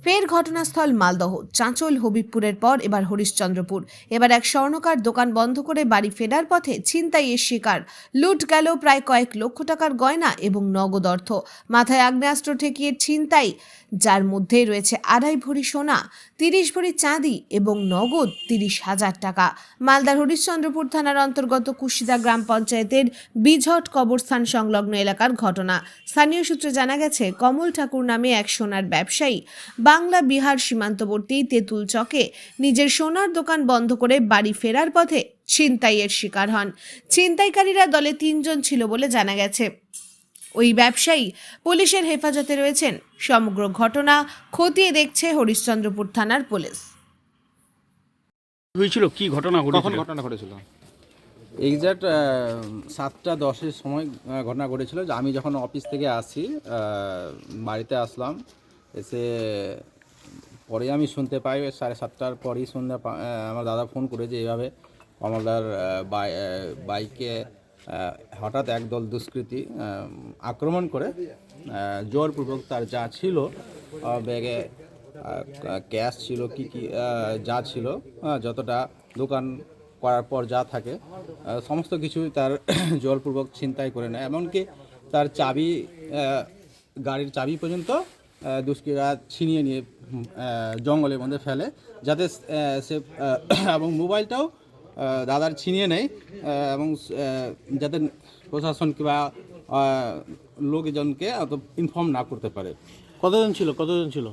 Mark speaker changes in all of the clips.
Speaker 1: ফের ঘটনাস্থল মালদহ। চাঁচল হবিবপুরের পর এবার হরিশ্চন্দ্রপুর। এবার এক স্বর্ণকার দোকান বন্ধ করে বাড়ি ফেরার পথে ছিনতাইয়ের শিকার। লুট গেল প্রায় কয়েক লক্ষ টাকার গয়না এবং নগদ অর্থ। মাথায় আগ্নেয়াস্ত্র ঠেকিয়ে ছিনতাই, যার মধ্যে রয়েছে 2.5 ভরি সোনা, 30 ভরি চাঁদি এবং নগদ 30,000 টাকা। মালদার হরিশ্চন্দ্রপুর থানার অন্তর্গত কুশিদা গ্রাম পঞ্চায়েতের বিঝট কবরস্থান সংলগ্ন এলাকার ঘটনা। স্থানীয় সূত্রে জানা গেছে, কমল ঠাকুর নামে এক সোনার ব্যবসায়ী বাংলা বিহার সীমান্তবর্তী তেঁতুল চকে নিজের সোনার দোকান বন্ধ করে বাড়ি ফেরার পথে ছিনতাইয়ের শিকার হন। ছিনতাইকারীরা দলে 3 জন ছিল বলে জানা গেছে। ওই ব্যবসায়ী পুলিশের হেফাজতে রয়েছেন। সমগ্র ঘটনা খতিয়ে দেখছে হরিশ্চন্দ্রপুর থানার পুলিশ।
Speaker 2: হয়েছিল কি ঘটনা
Speaker 3: কখন
Speaker 2: ঘটেছিল?
Speaker 3: ঘটনা ঘটেছিল? এক্স্যাক্ট 7টা 10-এর সময় ঘটনা ঘটেছিল। যে আমি যখন অফিস থেকে আসি, বাড়িতে আসলাম, এসে পরে আমি শুনতে পাই 7:30টার পরেই আমার দাদা ফোন করে যে এইভাবে কমলদার বাইকে হঠাৎ একদল দুষ্কৃতী আক্রমণ করে জোরপূর্বক তার যা ছিল, ব্যাগে ক্যাশ ছিল, কি যা ছিল, যতটা দোকান করার পর যা থাকে সমস্ত কিছু তার জোরপূর্বক ছিনতাই করে নেয়। এমনকি তার চাবি, গাড়ির চাবি পর্যন্ত দুষ্কৃতীরা ছিনিয়ে নিয়ে জঙ্গলের মধ্যে ফেলে, যাতে সে এবং মোবাইলটাও দাদার ছিনিয়ে নেয়, এবং যাতে প্রশাসন কিংবা লোকজনকে অত ইনফর্ম না করতে পারে।
Speaker 2: কতজন ছিল?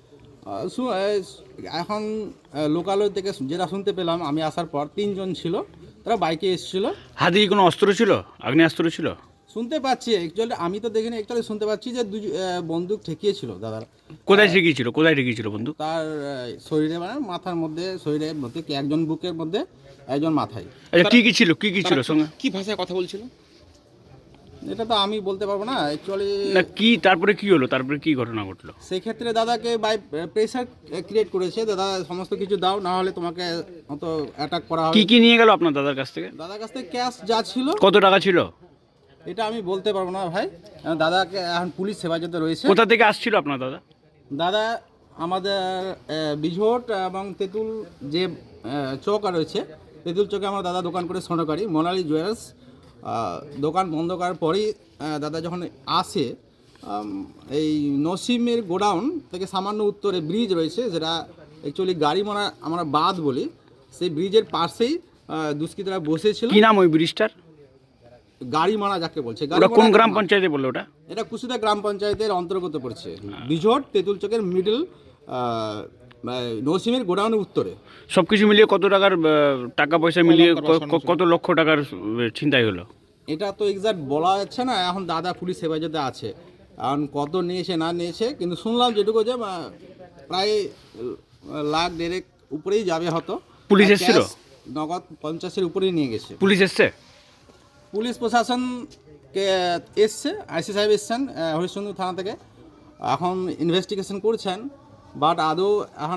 Speaker 3: এখন লোকালয় থেকে যেটা শুনতে পেলাম আমি আসার পর 3 জন ছিল, তারা বাইকে এসেছিল।
Speaker 2: হাতে কি কোনো অস্ত্র ছিল? আগ্নেয়াস্ত্র ছিল?
Speaker 3: শুনতে পাচ্ছি, অ্যাকচুয়ালি আমি তো দেখিনি, অ্যাকচুয়ালি শুনতে পাচ্ছি যে বন্দুক ঠেকিয়েছিল দাদার।
Speaker 2: কোথায় ঠেকিয়েছিল বন্ধু?
Speaker 3: তার শরীরে, মানে মাথার মধ্যে, শরীরের মধ্যে, একজন বুকের মধ্যে, একজন মাথায়।
Speaker 2: আচ্ছা, কি ছিল সঙ্গে?
Speaker 4: কি ভাষায় কথা বলছিল
Speaker 3: এটা তো আমি বলতে পারবো না অ্যাকচুয়ালি।
Speaker 2: না, কি তারপরে কি হলো? তারপরে কি ঘটনা ঘটলো?
Speaker 3: সেই ক্ষেত্রে দাদাকে বাই প্রেসার ক্রিয়েট করেছে, দাদা সমস্ত কিছু দাও, না হলে তোমাকে অত অ্যাটাক করা হবে।
Speaker 2: কি নিয়ে গেল আপনার দাদার কাছ থেকে?
Speaker 3: দাদার কাছ থেকে ক্যাশ যা ছিল।
Speaker 2: কত টাকা ছিল?
Speaker 3: এটা আমি বলতে পারবো না ভাই, দাদাকে এখন পুলিশ হেফাজতে রয়েছে।
Speaker 2: কোথা থেকে আসছিল আপনার দাদা?
Speaker 3: দাদা আমাদের বিঝট এবং তেঁতুল যে চৌক রয়েছে, তেঁতুল চকে আমার দাদা দোকান করে স্বর্ণকারী মোনালি জুয়েলার্স। দোকান বন্ধ করার পরেই দাদা যখন আসে, এই নসিমের গোডাউন থেকে সামান্য উত্তরে ব্রিজ রয়েছে, যেটা অ্যাকচুয়ালি গাড়িমারা আমরা বাঁধ বলি, সেই ব্রিজের পাশেই দুষ্কৃতীরা বসেছিল।
Speaker 2: কি নাম ওই ব্রিজটার?
Speaker 3: গাড়িমারা যাকে বলছে।
Speaker 2: ওটা কোন গ্রাম পঞ্চায়েতে বললো ওটা?
Speaker 3: এটা কুশিদা গ্রাম পঞ্চায়েতের অন্তর্গত পড়ছে। বিঝট তেঁতুল চকের মিডল, নসিমের গোডাউনের উত্তরে।
Speaker 2: সবকিছু মিলিয়ে কত টাকার টাকা পয়সা মিলিয়ে কত লক্ষ টাকার ছিনতাই হলো?
Speaker 3: এটা তো এক্সাক্ট বলা যাচ্ছে না, এখন দাদা পুলিশ হেফাজতে আছে। এখন কত নিয়েছে না নিয়েছে, কিন্তু শুনলাম যেটুকু যে প্রায় 1,00,000-1,50,000 উপরেই যাবে হয়তো।
Speaker 2: পুলিশ এসেছিল?
Speaker 3: নগদ 50-এর উপরেই নিয়ে গেছে।
Speaker 2: পুলিশ এসছে?
Speaker 3: পুলিশ প্রশাসনকে এসছে, আইসি সাহেব এসছেন হরিশ্চন্দ্র থানা থেকে, এখন ইনভেস্টিগেশন করছেন। বাট আদৌ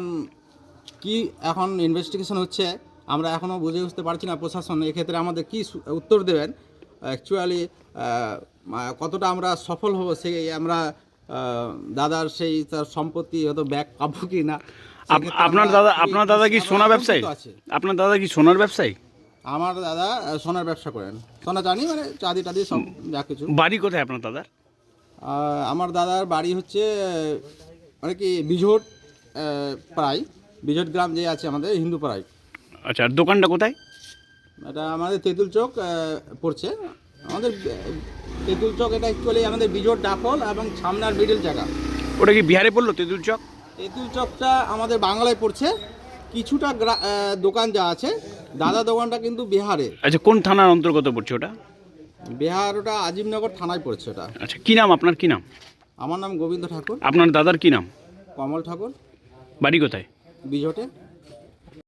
Speaker 3: এখন ইনভেস্টিগেশন হচ্ছে, আমরা এখনও বুঝে উঠতে পারছি না প্রশাসন এক্ষেত্রে আমাদের কী উত্তর দেবেন। অ্যাকচুয়ালি কতটা আমরা সফল হব, সেই আমরা দাদার সেই তার সম্পত্তি হয়তো ব্যাক পাবো কি না।
Speaker 2: আপনার দাদা কি সোনা ব্যবসায়ী? আপনার দাদা কি সোনার ব্যবসায়ী?
Speaker 3: আমার দাদা সোনার ব্যবসা করেন, সোনা জানি, মানে চাঁদি টাদি সব যা কিছু।
Speaker 2: বাড়ি কোথায় আপনার দাদার?
Speaker 3: আমার দাদার বাড়ি হচ্ছে মানে কি বিঝট পাড়ায়, বিঝট গ্রাম যে আছে আমাদের হিন্দু পাড়ায়।
Speaker 2: আচ্ছা, আর দোকানটা কোথায়?
Speaker 3: এটা আমাদের তেঁতুল চক পড়ছে। আমাদের তেঁতুল চক এটা অ্যাকচুয়ালি আমাদের বিঝট ডাফল এবং সামনার মিডল জায়গা।
Speaker 2: ওটা কি বিহারে পড়লো তেঁতুল চক?
Speaker 3: তেঁতুল চকটা আমাদের বাংলায় পড়ছে। কিছুটা দোকান যা আছে, দাদা দোকানটা কিন্তু বিহারে।
Speaker 2: আচ্ছা, কোন থানার অন্তর্গত পড়ছে ওটা?
Speaker 3: বিহার, ওটা আজিমনগর থানায় পড়ছে ওটা।
Speaker 2: আচ্ছা, কি নাম আপনার? কি নাম?
Speaker 3: আমার নাম গোবিন্দ ঠাকুর।
Speaker 2: আপনার দাদার কি নাম?
Speaker 3: কমল ঠাকুর।
Speaker 2: বাড়ি কোথায়?
Speaker 3: বিঝটে।